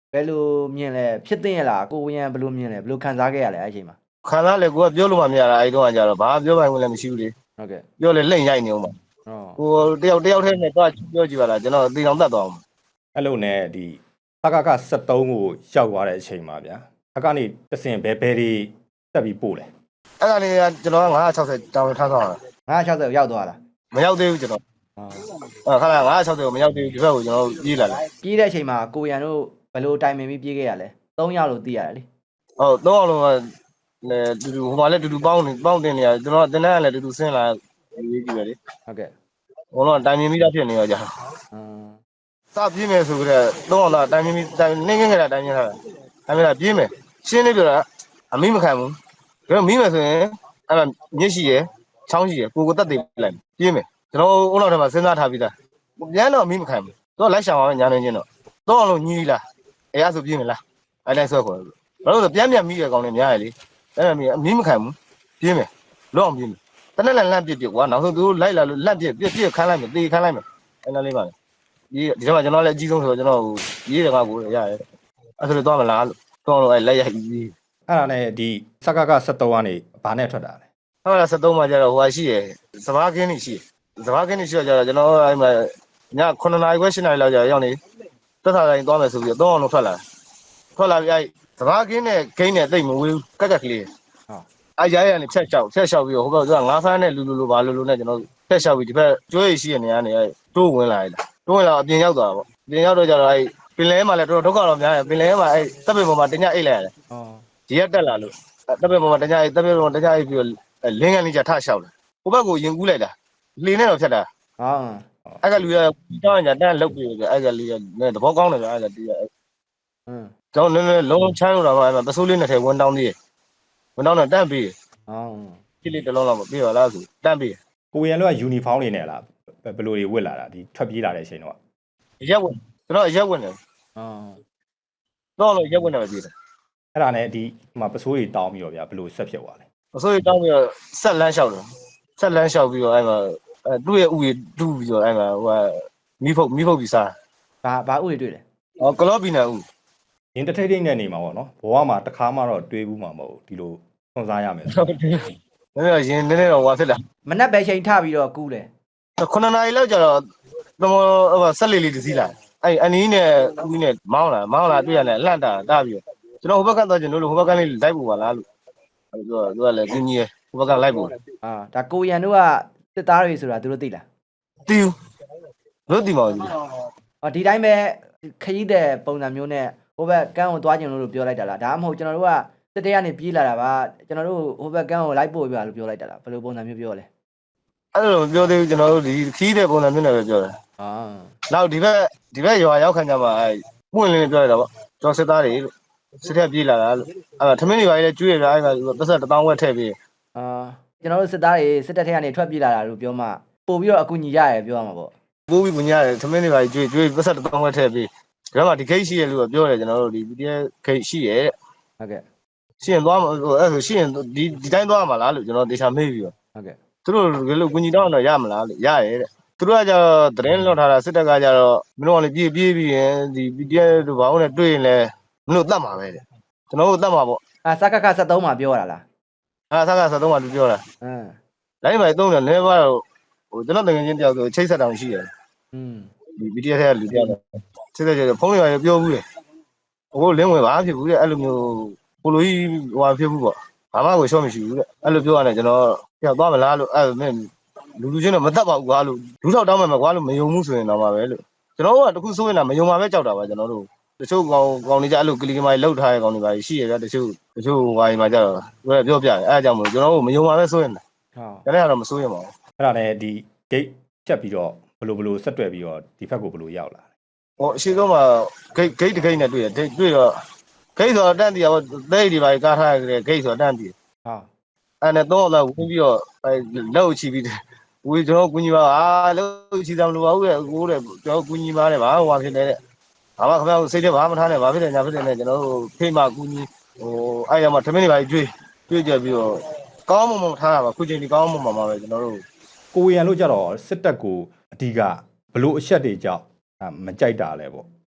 ဘယ်လိုမြင်လဲဖြစ်သိရလားကိုဝရံဘယ်လိုမြင်လဲဘယ်လိုခံစားခဲ့ရလဲအဲ့အချိန်မှာခံစားလေကိုကပြောလို့မှမရတာအဲ့တော့ကကြတော့ဘာပြောပိုင်ဝင်လည်းမရှိဘူးလေဟုတ်ကဲ့ပြောလေလိမ့်ရိုက်နေအောင်ပါဟောကိုတယောက်တည်းနဲ့တော့ပြောကြည့်ပါလားကျွန်တော်အသေးအောင်တတ်သွားအောင်အဲ့လိုနဲ့ဒီစကက73ကိုရောက်သွားတဲ့အချိန်မှာဗျာအကနေတဆင်ဘယ်တွေတက်ပြီးပို့လဲအဲ့ဒါနေကျွန်တော်က960တောင်းထားဆောင်တာ 960ကိုရောက်သွားလားမရောက်သေးဘူးကျွန်တော်ခါလာ960ကိုမရောက်သေးဘူးဒီဘက်ကိုကျွန်တော်ပြေးလာတယ်ပြေးတဲ့အချိန်မှာကိုရံတို့ဘယ်လိုတိုင်ပင်ပြီးပြေးခဲ့ရလဲ3ယောက်လို့သိရတယ်လေဟုတ်တော့အောင်လုံးကလည်းတူတူဟိုမှာလည်းတူတူပေါင်းတင်နေရကျွန်တော်တင်တန်းကလည်းတူတူဆင်းလာရေးကြည့်ပဲလေဟုတ်ကဲ့ဘုံတော့တိုင်မြင်ပြီးသားဖြစ်နေရောကြာ စပြေးမယ်ဆိုကြတဲ့တော့အောင်လားတိုင်မြင်ပြီးနေငယ်ငယ်တာတိုင်မြင်ထားတာတိုင်မြင်တာပြေးမယ်ရှင်းနေပြတာအမိမခံဘူးဒါမီးမယ်ဆိုရင်အဲ့ဒါမြစ်ရှိရယ်ချောင်းရှိရယ်ကိုတက်သေးလိုက်ပြေးမယ်ကျွန်တော်ဦးလောက်ထဲမှာစဉ်းစားထားပြီးသားပြန်တော့အမိမခံဘူးတော့လိုက်ရှောင်ပါမယ်ညာနေချင်းတော့အောင်လို့ညီးလားအဲ့ဒါဆိုပြေးမယ်လားအဲ့တိုင်းဆွဲခေါ်တယ်ဘာလို့လဲပြန်မီးရကောင်နေများရယ်လေအဲ့ဒါအမိမခံဘူးပြေးမယ်လောအောင်ပြေးမယ်တနေ့လန့်ပြစ်ကွာနောက်ဆုံးသူလိုက်လာလို့လန့်ပြစ်ခန်းလိုက်မယ်တေးခန်းလိုက်မယ်အဲ့ဒါလေးပါလေဒီထဲမှာကျွန်တော်လည်းအကြီးဆုံးဆိုတော့ကျွန်တော်ရေးတယ်ကကိုရတယ်အဲ့ဆိုတော့မလားလို့တော့လို့အဲ့လက်ရိုက်ပြီးအဲ့ဒါနဲ့ဒီစကက73ကနေဘာနဲ့ထွက်တာလဲဟုတ်လား73မှာကျတော့ဟိုရှိရယ်စဘာကင်းနေရှိစဘာကင်းနေရှိတော့ကျတော့ကျွန်တော်အဲ့မှာည9နာရီခွဲ10နာရီလောက်ကျရောက်နေတက်စားတိုင်းသွားမယ်ဆိုပြီးတော့အောင်လို့ထွက်လာပြီးအဲ့စဘာကင်းနဲ့ဂိမ်းနဲ့တိတ်မဝေးဘူးကက်ကလေးဟုတ်အဲ့ရိုင်းရနေဖြတ်လျှောက်ပြီးတော့ဟိုဘက်ကျတော့ငါးဖမ်းနဲ့လူဘာလူနဲ့ကျွန်တော်ဖြတ်လျှောက်ပြီးဒီဘက်ကျွေးရရှိရနေရနေအဲ့တိုးဝင်လာတယ်တိုးဝင်လာအပြင်ရောက်သွားတာပေါ့အပြင်ရောက်တော့ကျတော့အဲ့ပင်လဲမှာလည်းတော်တော်ဒုက္ခတော့များတယ်ပင်လဲမှာအဲ့တပ်ပင်ပေါ်မှာတညအိတ်လိုက်ရတယ်ဒီရက်တက်လာလို့တပ်ပင်ပေါ်မှာတညအိတ်တပ်ပင်ပေါ်မှာတညအိတ်ပြီးတော့လင်းကန်လေးကြထလျှောက်တယ်ဟိုဘက်ကိုရင်ကူးလိုက်တာလေနဲ့တော့ဖြတ်တာအဲ့ကလူရတောင်းကြတန်းလုတ်ပြီးအဲ့ကလူရသဘောကောင်းတယ်ဗျအဲ့ကတီးရကျွန်တော်နည်းနည်းလုံးချမ်းလို့တော့အဲ့မှာပစိုးလေးနဲ့ထဲဝန်တောင်းသေးတယ်ဝန်တောင်းတော့တန့်ပြီးကြည့်လေးတစ်လုံးလောက်ပြီးပါလားဆိုတန့်ပြီးကိုရန်တို့ကယူနီဖောင်းနေနဲ့လားဘယ်လိုတွေဝတ်လာတာဒီထွက်ပြေးလာတဲ့အချိန်တော့ရက်ဝင်ကျွန်တော်ရက်ဝင်တယ်တော့လို့ရက်ဝင်တယ်ပြေးတယ်အဲ့ဒါနဲ့ဒီမှာပစိုးတွေတောင်းပြီးတော့ဗျာဘယ်လိုဆက်ဖြစ်သွားလဲပစိုးတွေတောင်းပြီးတော့ဆက်လန်းလျှောက်တယ်ဆက်လန်းလျှောက်ပြီးတော့အဲ့မှာသူ့ရဲ့ဥယျတူးပြီးတော့အဲ့မှာဟိုမီးဖုတ်ပြီးစားဘာဥတွေတွေ့လဲကလော့ပီနာဥရင်တထိတ်ထိတ်နဲ့နေမှာပေါ့နော်ဘဝမှာတစ်ခါမှတော့တွေးဘူးမှာမဟုတ်ဒီလိုဆွန်စားရမယ်ဆိုနည်းနည်းရင်နည်းနည်းတော့ဝါဖြစ်လာမနက်ပဲချိန်ထပြီးတော့ကူးတယ် 9နာရီလောက်ကျတော့ဆက်လေးတစ်စီးလာအဲ့အနီးနဲ့ဦးနဲ့မောင်းလာတွေ့ရတယ်အလှန့်တာပြီးတော့ကျွန်တော်ဟိုဘက်ကသွားကျင်လို့ဟိုဘက်ကလေးလိုက်ပို့ပါလားလို့သူကလည်းကြီးကြီးဟိုဘက်ကလိုက်ပို့ဒါကိုရန်တို့ကစစ်သားတွေဆိုတာသူတို့သိလားတီးလို့တီးမအောင်ဒီတိုင်းပဲခရီးတဲ့ပုံစံမျိုးနဲ့ဟိုဘက်ကန်းကိုသွားကျင်လို့ပြောလိုက်တာလားဒါမှမဟုတ်ကျွန်တော်တို့ကစစ်တဲကနေပြေးလာတာပါကျွန်တော်တို့ဟိုဘက်ကန်းကိုလိုက်ပို့ပြလို့ပြောလိုက်တာလားဘယ်လိုပုံစံမျိုးပြောလဲအဲ့လိုပြောသေးဘူးကျွန်တော်တို့ဒီခီးတဲ့ပုံစံမျိုးနဲ့ပဲပြောတယ်နောက်ဒီဘက်ရွာရောက်ခံကြမှာအဲ့ပွင့်လင်းပြောရတာပေါ့ကျွန်တော်စစ်သားတွေလို့စစ်ထက်ပြေးလာတာလို့အဲ့ထမင်းတွေပါလေကျွေးရပြအဲ့ကပတ်သက်1000ဝက်ထည့်ပြီးကျွန်တော်တို့စစ်သားတွေစစ်တပ်ထက်ကနေထွက်ပြေးလာတာလို့ပြောမှပို့ပြီးတော့အကူညီရရပြောရမှာပေါ့ပိုးပြီးပညာရတယ်ထမင်းတွေပါကျွေးပတ်သက်1000ဝက်ထည့်ပြီးဒါမှဒီဂိတ်ရှိရလို့ပြောတယ်ကျွန်တော်တို့ဒီ PDF ဂိတ်ရှိရတဲ့ဟုတ်ကဲ့ရှိရင်သွားအဲ့ဆိုရှိရင်ဒီတိုင်းသွားမှာလားလို့ကျွန်တော်တေချာမေးပြီးတော့ဟုတ်ကဲ့သူတို့ဘယ်လိုကူညီတော့ရမလားလို့ရရဲတဲ့သူတို့ကကျတော့သတင်းလွှတ်ထားတာစစ်တပ်ကကျတော့မင်းတို့ကလည်းပြေးပြီးရင်ဒီ PDF တို့ဘာလို့လဲတွေ့ရင်လည်းမင်းတို့တတ်မှာပဲတဲ့ကျွန်တော်တို့တတ်မှာပေါ့စကခ73မှာပြောရတာလားဆက်က73မှာသူပြောတာလိုင်းမိုင်3တယ်နည်းပါတော့ဟိုကျွန်တော်တကယ်ချင်းတယောက်ဆိုချိတ်ဆက်တောင်ရှိတယ်ဒီ PDF ထဲကလူတယောက်ချိတ်ဆက်ကြဖုန်းတွေပြောဘူးလေဟိုလင်းဝင်ဘာဖြစ်ဘူးတဲ့အဲ့လိုမျိုးပိုလိုကြီးဟိုဖြစ်ဘူးပေါ့ဘာမှကိုရှော့မရှိဘူးတဲ့အဲ့လိုပြောရတယ်ကျွန်တော်ပြောက်သွားမလားလို့အဲ့မင်းလူချင်းတော့မတတ်ပါဘူးကွာလို့လူထောက်တောင်းမှကွာလို့မယုံဘူးဆိုရင်တော့ပါပဲလို့ကျွန်တော်ကတခုဆိုရင်တော့မယုံပါပဲကြောက်တာပါကျွန်တော်တို့တချို့ကောင်တွေကြအဲ့လိုကလီကမိုင်လောက်ထားတဲ့ကောင်တွေပါရှိရပြတချို့ဝိုင်းမှာကြတော့ပြောပြတယ်အဲ့အကြောင်းမို့ကျွန်တော်တို့မယုံပါပဲဆိုရင်ဟုတ်တယ်ကတော့မဆိုရင်ပါဘူးအဲ့ဒါနဲ့ဒီ gate ဖြတ်ပြီးတော့ဘယ်လိုဆက်တွဲပြီးတော့ဒီဘက်ကိုဘယ်လိုရောက်လာလဲဟိုအရှိဆုံးမှာ gate တစ် gate နဲ့တွေ့တယ်တွေ့တော့ gate ဆိုတော့တန်းတီးရတော့သိတွေပါကားထားရတယ် gate ဆိုတော့တန်းတီးအဲ့နဲ့တော့လာဝင်ပြီးတော့လောက်ချီပြီးဝေကျွန်တော်ကူညီပါလောက်ချီတယ်မလို့ပါဘူးတဲ့ကိုတဲ့ကျွန်တော်ကူညီပါတယ်ဘာဟိုဖြစ်နေတဲ့ဘာမှခင်ဗျားစိတ်ထဲဘာမှထားနဲ့ဘာဖြစ်တယ်ညာဖြစ်တယ်နဲ့ကျွန်တော်တို့ဖိမကူညီဟိုအဲ့ရမှာထမင်းတွေပါကျွေးကြပြီးတော့ကောင်းမွန်ထားတာပါခုချိန်ဒီကောင်းမွန်ပါပဲကျွန်တော်တို့ကိုရန်လို့ကြတော့စစ်တပ်ကိုအဓိကဘလို့အချက်တွေကြောင့်မကြိုက်တာလဲပေါ့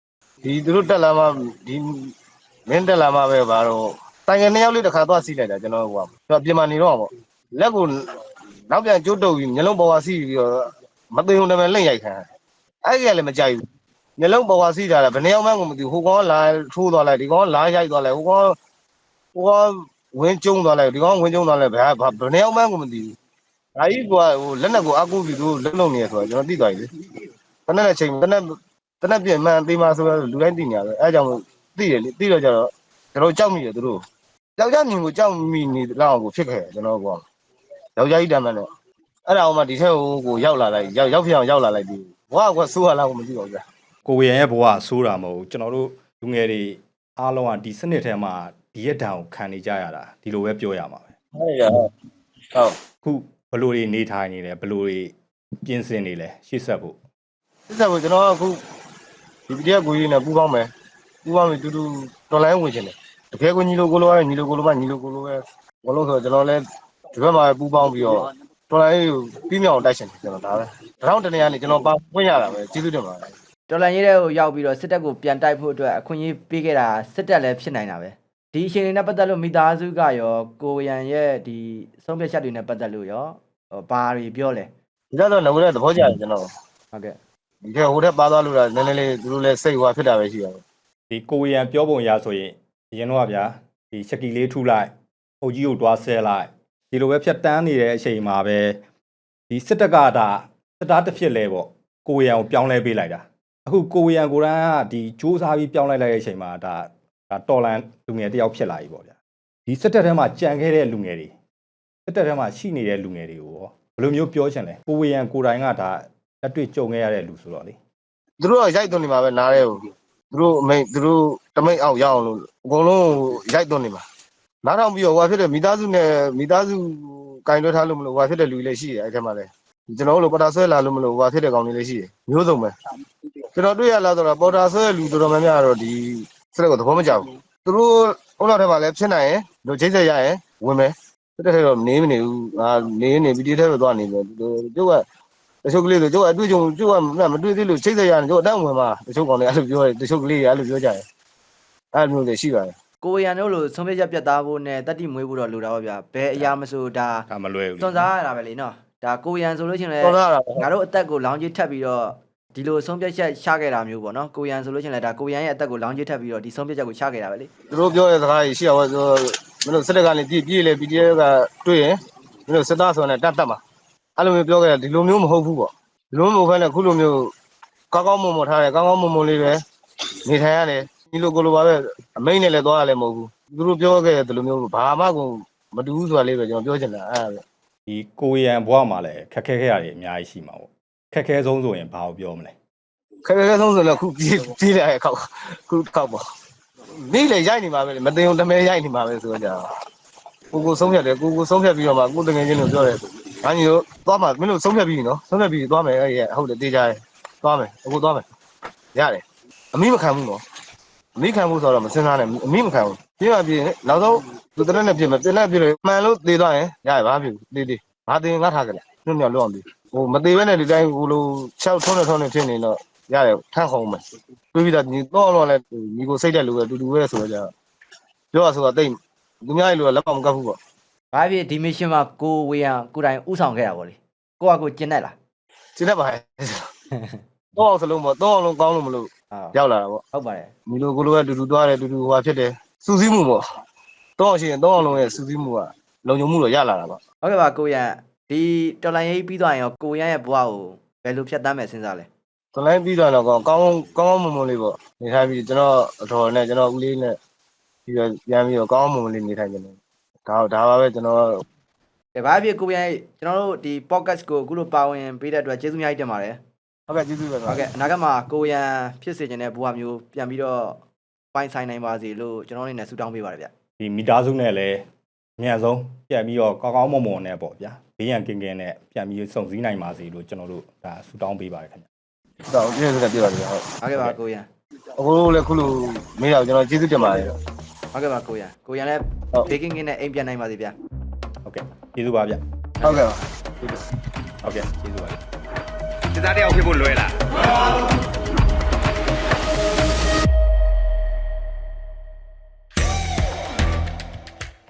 ဒီသူတို့တက်လာမှဒီမင်းတက်လာမှပဲဘာတော့တိုင်ငယ်2ယောက်လေးတစ်ခါသွားစီးလိုက်တာကျွန်တော်ကပြင်မာနေတော့ပေါ့လက်ကိုနောက်ပြန်ကျိုးတုပ်ပြီးမျက်လုံးပေါ်ဝါစီးပြီးတော့မသိုံတမယ်လက်ရိုက်ခံအဲ့ဒီကလည်းမကြိုက်ဘူးမျက်လုံးပေါ်ဝါစီးတာလည်းဘယ်နှယောက်မှကိုမသိဘူးဟိုကောင်လာထိုးသွားလိုက်ဒီကောင်လာရိုက်သွားလိုက်ဟိုကောင်ဝင်းကျုံသွားလိုက်ဒီကောင်ဝင်းကျုံသွားလိုက်ဘယ်နှယောက်မှကိုမသိဘူးဒါကြီးကဟိုလက်နဲ့ကိုအကူပြီးသူလုံလုံနေရဆိုတော့ကျွန်တော်သိသွားပြီလေတနက်နဲ့ချိန်တနက်ပြင်မှန်သေးမှဆိုတော့လူတိုင်းသိနေရတယ်အဲအကြောင်းသိတယ်လေသိတော့ကြတော့ကျွန်တော်ကြောက်မိတယ်သူတို့ယောက်ျားမြင်ကိုကြောက်မိနေလောက်ကိုဖြစ်ခဲ့ကျွန်တော်ကယောက်ျားကြီးတမ်းမှန်းတော့အဲ့ဒါအောင်မှဒီထက်ကိုရောက်လာလိုက်ရောက်ဖြစ်အောင်ရောက်လာလိုက်ပြီဘွားကဆိုးရလားကိုမသိပါဘူးဗျာကိုဝေရန်ရဲ့ဘဝဆိုးတာမဟုတ်ကျွန်တော်တို့လူငယ်တွေအားလုံးကဒီစနစ်ထဲမှာဒီရက်တံကိုခံနေကြရတာဒီလိုပဲပြောရမှာပဲဟုတ်ရဟုတ်ခုဘလို့တွေနေထိုင်နေလဲဘလို့တွေပြင်ဆင်နေလဲရှေ့ဆက်ဖို့စစ်ဆက်ကိုကျွန်တော်ကအခုဒီပြည်ကကိုကြီးနဲ့ပူပေါင်းမယ်တူတူတော်လိုင်းဝင်ချင်တယ်တကယ်ကိုညီလိုကိုလိုပဲညီလိုကိုလိုပဲညီလိုကိုလိုပဲဘလို့ဆိုကျွန်တော်လည်းဒီဘက်မှာပူပေါင်းပြီးတော့တော်လိုင်းကိုပြီးမြောက်တိုက်ချင်တယ်ကျွန်တော်ဒါပဲတောင်းတနေရနေကျွန်တော်ပါဝင်ရတာပဲကျေးဇူးတင်ပါတယ်တော်လန်ရေးတဲ့ကိုရောက်ပြီးတော့စစ်တပ်ကိုပြန်တိုက်ဖို့အတွက်အခွင့်အရေးပေးခဲ့တာစစ်တပ်လည်းဖြစ်နိုင်တာပဲဒီအချိန်လေးနဲ့ပတ်သက်လို့မိသားစုကရောကိုရန်ရဲ့ဒီဆုံးဖြတ်ချက်တွေနဲ့ပတ်သက်လို့ရောဘာတွေပြောလဲဒီတော့ငွေတဲ့သဘောကျတယ်ကျွန်တော်ဟုတ်ကဲ့ဒီကဟိုတက်ပါသွားလို့လားနည်းနည်းလေးသူတို့လည်းစိတ်ဟွာဖြစ်တာပဲရှိရတယ်ဒီကိုဝေရန်ပြောပုံရဆိုရင်အရင်တော့ဗျာဒီချက်ကီလေးထုလိုက်အုတ်ကြီးကိုတွားဆဲလိုက်ဒီလိုပဲဖြတ်တန်းနေတဲ့အချိန်မှာပဲဒီစစ်တပ်ကဒါစစ်သားတစ်ဖြစ်လဲပေါ့ကိုဝေရန်ကိုပြောင်းလဲပေးလိုက်တာအခုကိုဝေရန်ကိုရန်ကဒီစူးစမ်းပြီးပြောင်းလိုက်တဲ့အချိန်မှာဒါတော်လန်လူငယ်တယောက်ဖြစ်လာပြီပေါ့ဗျာဒီစစ်တပ်ထဲမှာကြံခဲ့တဲ့လူငယ်တွေစစ်တပ်ထဲမှာရှိနေတဲ့လူငယ်တွေကိုရောဘယ်လိုမျိုးပြောချင်လဲကိုဝေရန်ကိုတိုင်ကဒါလက်တွေ့ကြုံခဲ့ရတဲ့လူဆိုတော့လေသူတို့ကရိုက်သွင်းနေမှာပဲနားရဲကိုသူတို့အမိတ်သူတို့တမိတ်အောင်ရအောင်လို့အကုန်လုံးရိုက်သွင်းနေမှာနားထောင်ပြီးတော့ဟိုဖြစ်တဲ့မိသားစုကင်တွဲထားလို့မလို့ဟိုဖြစ်တဲ့လူတွေလည်းရှိတယ်အဲ့ထက်မှလည်းကျွန်တော်တို့ပေါ်တာဆွဲလာလို့မလို့ဟိုဖြစ်တဲ့ကောင်တွေလည်းရှိတယ်မျိုးစုံပဲကျွန်တော်တွေ့ရလားဆိုတော့ပေါ်တာဆွဲလူတော်တော်များများတော့ဒီစက်ကိုသဘောမကျဘူးသူတို့ဟိုလောက်ထဲမှာလည်းဖြစ်နိုင်ရင်တို့ချိတ်ဆက်ရရင်ဝင်မယ်တစ်ထက်တော့နေမနေဘူးနေပြီးဒီထက်တော့သွားနေတယ်တို့ကတချို့ကလေးတို့အတွေ့အကြုံတို့ကမတွေ့သေးလို့ချိတ်ဆက်ရတယ်တို့အတန်းဝင်မှာတချို့ကောင်တွေအဲ့လိုပြောတယ်တချို့ကလေးတွေအဲ့လိုပြောကြတယ်အဲ့လိုမျိုးတွေရှိပါတယ်ကိုရန်တို့လိုဆုံးဖြတ်ချက်ပြတ်သားဖို့နဲ့တတိမွေးဖို့တော့လိုတာပါဗျာဘယ်အရာမဆိုဒါဒါမလွယ်ဘူးစွန့်စားရတာပဲလေနော်ဒါကိုရန်ဆိုလို့ချင်းလဲတော်လာတာငါတို့အသက်ကိုလောင်းကြီးထပ်ပြီးတော့ဒီလိုဆုံးဖြတ်ချက်ချခဲ့တာမျိုးပေါ့နော်ကိုရန်ဆိုလို့ချင်းလဲဒါကိုရန်ရဲ့အသက်ကိုလောင်းကြီးထပ်ပြီးတော့ဒီဆုံးဖြတ်ချက်ကိုချခဲ့တာပဲလေသူတို့ပြောတဲ့စကားကြီးရှိရပါဆိုမင်းတို့စစ်တပ်ကနေပြေးလေ PDF ကတွေ့ရင်မင်းတို့စစ်သားဆိုတဲ့တတ်မှာအဲ့လိုမျိုးပြောခဲ့တယ်ဒီလိုမျိုးမဟုတ်ဘူးပေါ့ဒီလိုမျိုးဘဲနဲ့ခုလိုမျိုးကောင်းကောင်းမွန်မွန်ထားတယ်ကောင်းကောင်းမွန်မွန်လေးပဲနေထိုင်ရတယ်ဒီလိုကိုလိုပါပဲအမိတ်နဲ့လည်းသွားရလည်းမဟုတ်ဘူးသူတို့ပြောခဲ့တဲ့ဒီလိုမျိုးဘာမှကိုမတူဘူးဆိုတာလေးပဲကျွန်တော်ပြောချင်တာအဲ့ဒါပဲဒီကိုရန်ဘဝမှာလည်းခက်ခဲခဲ့ရတယ်အများကြီးရှိမှာပေါ့ခက်ခဲဆုံးဆိုရင်ဘာကိုပြောမလဲခဲဆုံးဆိုတော့ခုပြေးလာရဲ့ခောက်ခုခောက်ပေါ့နေ့လေရိုက်နေမှာပဲမတင်ုံတမဲရိုက်နေမှာပဲဆိုတော့ကြာကိုဆုံးဖြတ်တယ်ကိုဆုံးဖြတ်ပြီးတော့မှကိုတငယ်ချင်းတို့ပြောတယ်ငါညီတို့သွားမှာမင်းတို့ဆုံးဖြတ်ပြီးနော်ဆုံးဖြတ်ပြီးသွားမယ်အဲ့ရဟုတ်တယ်တေးကြတယ်သွားမယ်အခုသွားမယ်ရတယ်အမိမခံဘူးနော်အမိခံဘူးဆိုတော့မစင်စားနဲ့အမိမခံဘူးပြေးမှပြေးနောက်ဆုံးသူတရက်နဲ့ပြေးမယ်ပြင်နဲ့ပြေးလို့မှန်လို့တေးသွားရင်ရတယ်ဘာဖြစ်ဘူးတေးဘာတေးငါထားကြတယ်ညွန့်ညွန့်လွတ်အောင်ပြေးဟိုမသေးဘဲနဲ့ဒီတိုင်းဟိုလို6ထုံးနဲ့ဖြစ်နေတော့ရတယ်ထန့်ခုံမယ်တွေးပြီးတော့ညီတော့လဲညီကိုစိတ်တဲ့လူပဲတူတူပဲဆိုတော့ကြာပြောရဆိုတော့တိတ်သူများကြီးလိုလက်မကပ်ဘူးပေါ့ဘာဖြစ်ဒီမစ်ရှင်မှာကိုဝေရန်ကိုတိုင်ဥဆောင်ခဲ့တာပေါ့လေကိုကကိုကျင်တတ်လားကျင်းတတ်ပါရဲ့တော့အောင်စလုံးပေါ့တော့အောင်လုံးကောင်းလို့မလို့ရောက်လာတာပေါ့ဟုတ်ပါတယ်ညီလိုကိုလိုကတူတူသွားတယ်တူတူဟွာဖြစ်တယ်စူးစီးမှုပေါ့တော့အောင်ရှိရင်တော့အောင်လုံးရဲ့စူးစီးမှုကလုံခြုံမှုတော့ရလာတာပေါ့ဟုတ်ကဲ့ပါကိုရန်ဒီတော်လိုင်းရေးပြီးသွားရင်ရောကိုရန်ရဲ့ဘဝကိုဘယ်လိုဖြတ်သန်းမယ်စဉ်းစားလဲတလိုင်းပြီးတော့ကောင်းကောင်းမွန်မွန်လေးပေါ့နေထိုင်ပြီးကျွန်တော်အတော်နဲ့ကျွန်တော်ဦးလေးနဲ့ပြီးတော့ပြန်ပြီးတော့ကောင်းမွန်မွန်လေးနေထိုင်နေတယ်ဒါပါပဲကျွန်တော်ကဲဘာဖြစ်ကိုရန်ကျွန်တော်တို့ဒီ podcast ကိုအခုလိုပါဝင်ပေးတဲ့အတွက်ကျေးဇူးအများကြီးတင်ပါတယ်ဟုတ်ကဲ့ကျေးဇူးပဲဟုတ်ကဲ့အနာဂတ်မှာကိုရန်ဖြစ်စေချင်တဲ့ဘဝမျိုးပြန်ပြီးတော့ပိုင်ဆိုင်နိုင်ပါစေလို့ကျွန်တော်အနေနဲ့ဆုတောင်းပေးပါတယ်ဗျဒီမိသားစုနဲ့လည်းအများဆုံးပြန်ပြီးတော့ကောင်းကောင်းမွန်မွန်နဲ့ပေါ့ဗျာဘေးရန်ကင်းကင်းနဲ့ပြန်ပြီးစုံစည်းနိုင်ပါစေလို့ကျွန်တော်တို့ဒါဆုတောင်းပေးပါတယ်ခင်ဗျတော့ကျေးဇူးတင်ပြပါတယ်ဟုတ်ဟုတ်ကဲ့ပါကိုရန်အခုလည်းခုလိုမေးတော့ကျွန်တော်ကျေးဇူးတင်ပါတယ်ဟုတ်ကဲ့ပါကိုရန်လည်းဘေးကင်းကင်းနဲ့အိမ်ပြန်နိုင်ပါစေဗျဟုတ်ကဲ့ကျေးဇူးပါဗျဟုတ်ကဲ့ပါဟုတ်ကဲ့ကျေးဇူးပါဗျစစ်သားတယောက်ဖြစ်ဖို့လွယ်လား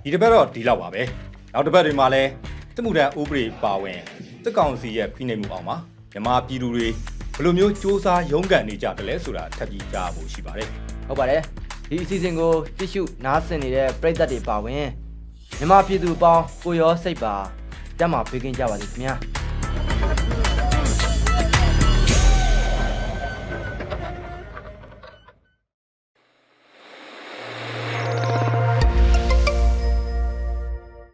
ဒီတစ်ပတ်တော့ဒီလောက်ပါပဲနောက်တစ်ပတ်တွေမှာလည်းစစ်မှုထမ်းဥပဒေပါဝင်စစ်ကောင်စီရဲ့ဖိနှိပ်မှုအောင်မှာမြန်မာပြည်သူတွေဘယ်လိုမျိုးစ조사ရုန်းကန်နေကြတယ်လဲဆိုတာထပ်ပြီးကြားဖို့ရှိပါတယ်ဟုတ်ပါတယ်ဒီအစီအစဉ်ကိုကြည့်ရှုနားဆင်နေတဲ့ပရိသတ်တွေပါဝင်မြန်မာပြည်သူအပေါင်းကိုရောစိတ်ပါတက်မှာပေးကင်းကြပါစေခင်ဗျာ